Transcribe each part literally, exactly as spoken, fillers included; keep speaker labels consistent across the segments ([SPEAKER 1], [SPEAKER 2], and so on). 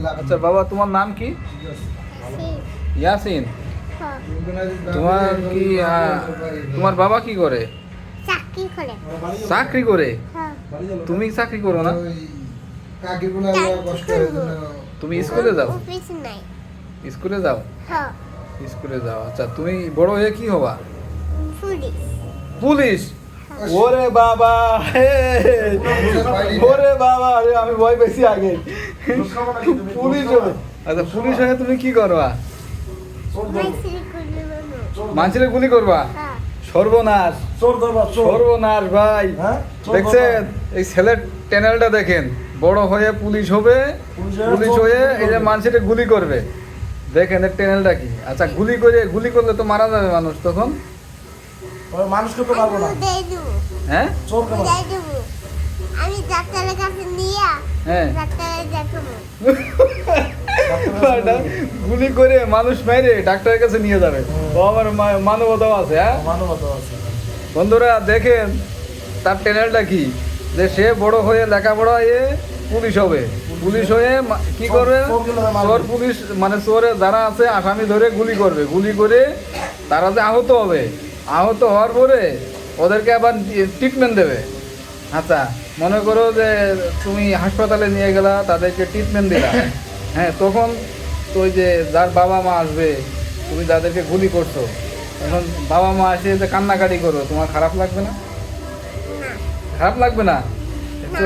[SPEAKER 1] আচ্ছা বাবা, তোমার নাম কি? ইয়াসিন। তোমার কি আহ, তোমার বাবা কি করে?
[SPEAKER 2] চাকরি করে।
[SPEAKER 1] চাকরি করে?
[SPEAKER 2] হ্যাঁ।
[SPEAKER 1] তুমি চাকরি করো না? তুমি স্কুলে যাও?
[SPEAKER 2] অফিস নাই।
[SPEAKER 1] স্কুলে যাও?
[SPEAKER 2] হ্যাঁ।
[SPEAKER 1] স্কুলে যাও। আচ্ছা, তুমি বড় হয়ে কি হবা?
[SPEAKER 2] পুলিশ।
[SPEAKER 1] পুলিশ? ওরে বাবা, হে, ওরে বাবা, আরে আমি ভয় পেয়েছি আগে। পুলিশ হবে? আচ্ছা, পুলিশ হয়ে তুমি কি করবা? মানুষের গুলি করবা?
[SPEAKER 2] হ্যাঁ।
[SPEAKER 1] সর্বনাশ, সর্বনাশ ভাই। দেখছেন এই ছেলের চ্যানেলটা দেখেন, বড় হয়ে পুলিশ হবে, পুলিশ হয়ে এই যে মানুষের গুলি করবে। দেখেন এর চ্যানেলটা কি। আচ্ছা, গুলি করে গুলি করলে তো মারা যাবে মানুষ, তখন
[SPEAKER 3] মানুষকে তো পারবো না।
[SPEAKER 1] হ্যাঁ,
[SPEAKER 2] আমি ডাক্তারের কাছে নিয়ে
[SPEAKER 1] হ্যাঁ
[SPEAKER 2] ডাক্তারের দেখাবো।
[SPEAKER 1] গুলি করে মানুষ মেরে ডাক্তারের কাছে নিয়ে যাবে। ও আমার মা- মানবতাও আছে। হ্যাঁ
[SPEAKER 3] মানবতা আছে।
[SPEAKER 1] বন্ধুরা দেখেন তার চ্যানেলটা কি, যে সে বড় হয়ে লেখাপড়া এ পুলিশ হবে, পুলিশ হয়ে মা- কি করবে, চোর পুলিশ মানে চোরে যারা আছে আসামি ধরে গুলি করবে, গুলি করে তারা যে আহত হবে, আহত হওয়ার পরে ওদেরকে আবার ট্রিটমেন্ট দেবে। আচ্ছা, মনে করো যে তুমি হাসপাতালে নিয়ে গেলা, তাদেরকে ট্রিটমেন্ট দিলা, হ্যাঁ তখন তো ওই যে যার বাবা মা আসবে, তুমি যাদেরকে গুলি করছো, এখন বাবা মা এসে যে কান্নাকাটি করো, তোমার খারাপ লাগবে না? খারাপ লাগবে না? তো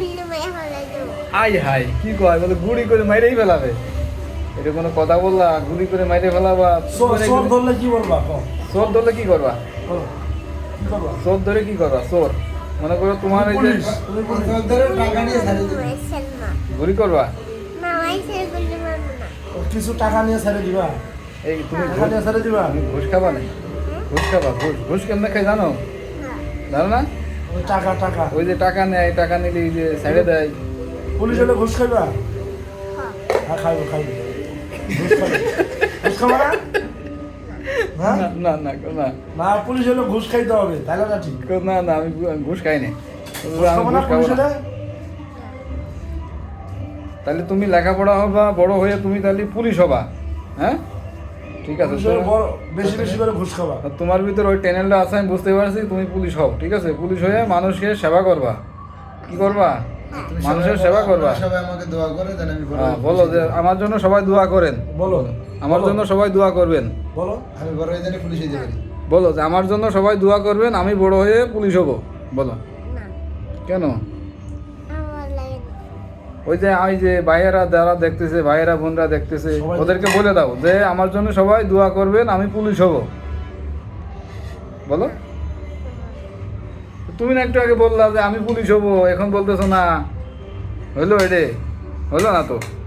[SPEAKER 1] আই হাই কি কয়, বলে গুলি করে মাইরেই ফেলাবে। এটা কোনো কথা বললা? গুলি করে মাইরে ফেলাবা?
[SPEAKER 3] চোর চোর ধরলে কি বলবা? কও।
[SPEAKER 1] চোর ধরলে কি করবা?
[SPEAKER 3] বলো। কি করবা?
[SPEAKER 1] চোর ধরে কি করবা? চোর মনে করো তোমার এই যে
[SPEAKER 3] পুলিশ, তুমি পুলিশ।
[SPEAKER 1] গুলি করবা,
[SPEAKER 3] ও কিছু টাকা নিয়ে ছেড়ে দিবা।
[SPEAKER 1] এই তুমি
[SPEAKER 3] টাকা নিয়ে ছেড়ে দিবা।
[SPEAKER 1] তুমি ঘুষ খাবা না? ঘুষ খাবা? ঘুষ ঘুষ কেমনে খাই জানো? জানো না?
[SPEAKER 3] ওই টাকা টাকা।
[SPEAKER 1] ওই যে টাকা নেয়, টাকা নিলে এই যে ছেড়ে দেয়।
[SPEAKER 3] পুলিশ হলে ঘুষ খাইবা? হ্যাঁ খাইবো খাইবো। ঘুষ খাইবো। ঘুষ খাবা না? হ্যাঁ?
[SPEAKER 1] না না না না
[SPEAKER 3] না পুলিশ হলে ঘুষ খাইতে হবে, তাহলে না ঠিক।
[SPEAKER 1] না না আমি ঘুষ খাই না।
[SPEAKER 3] ঘুষ
[SPEAKER 1] আমি
[SPEAKER 3] খাবো না
[SPEAKER 1] ঘুষ খাবো
[SPEAKER 3] পুলিশ
[SPEAKER 1] না।
[SPEAKER 3] হলে?
[SPEAKER 1] তাহলে তুমি লেখাপড়া হবা, বড় হয়ে তুমি তাহলে পুলিশ হবা। হ্যাঁ ঠিক আছে,
[SPEAKER 3] পুলিশ হলে বড় বেশি বেশি করে ঘুষ খাবা।
[SPEAKER 1] তো তোমার ভিতর ওই চ্যানেলটা আছে, আমি বুঝতে পারছি। তুমি পুলিশ হও, ঠিক আছে? পুলিশ হয়ে মানুষকে সেবা করবা। কি করবা? মানুষের সেবা করবা।
[SPEAKER 4] সবাই আমাকে দোয়া করে দেন, আমি বড়
[SPEAKER 1] হ্যাঁ,
[SPEAKER 4] হয়ে
[SPEAKER 1] বলো যে আমার জন্য সবাই দোয়া করেন।
[SPEAKER 3] বলো
[SPEAKER 1] আমার
[SPEAKER 3] বলো।
[SPEAKER 1] জন্য সবাই দোয়া করবেন।
[SPEAKER 3] বলো।
[SPEAKER 4] আমি বড় হয়ে জানি পুলিশ হইতে পারি।
[SPEAKER 1] বলো যে আমার জন্য সবাই দোয়া করবেন, আমি বড় হয়ে পুলিশ হব। বলো কেন? ওই যে ওই যে ভাইয়েরা যারা দেখতেছে, ভাইয়েরা বোনরা দেখতেছে,
[SPEAKER 3] সবাই-
[SPEAKER 1] ওদেরকে বলে দাও যে আমার জন্য সবাই দোয়া করবেন, আমি পুলিশ হব। বলো। তুমি না একটু আগে বললা যে আমি পুলিশ হব, এখন বলতেছো না। হইলো এডে? হইলো না তো?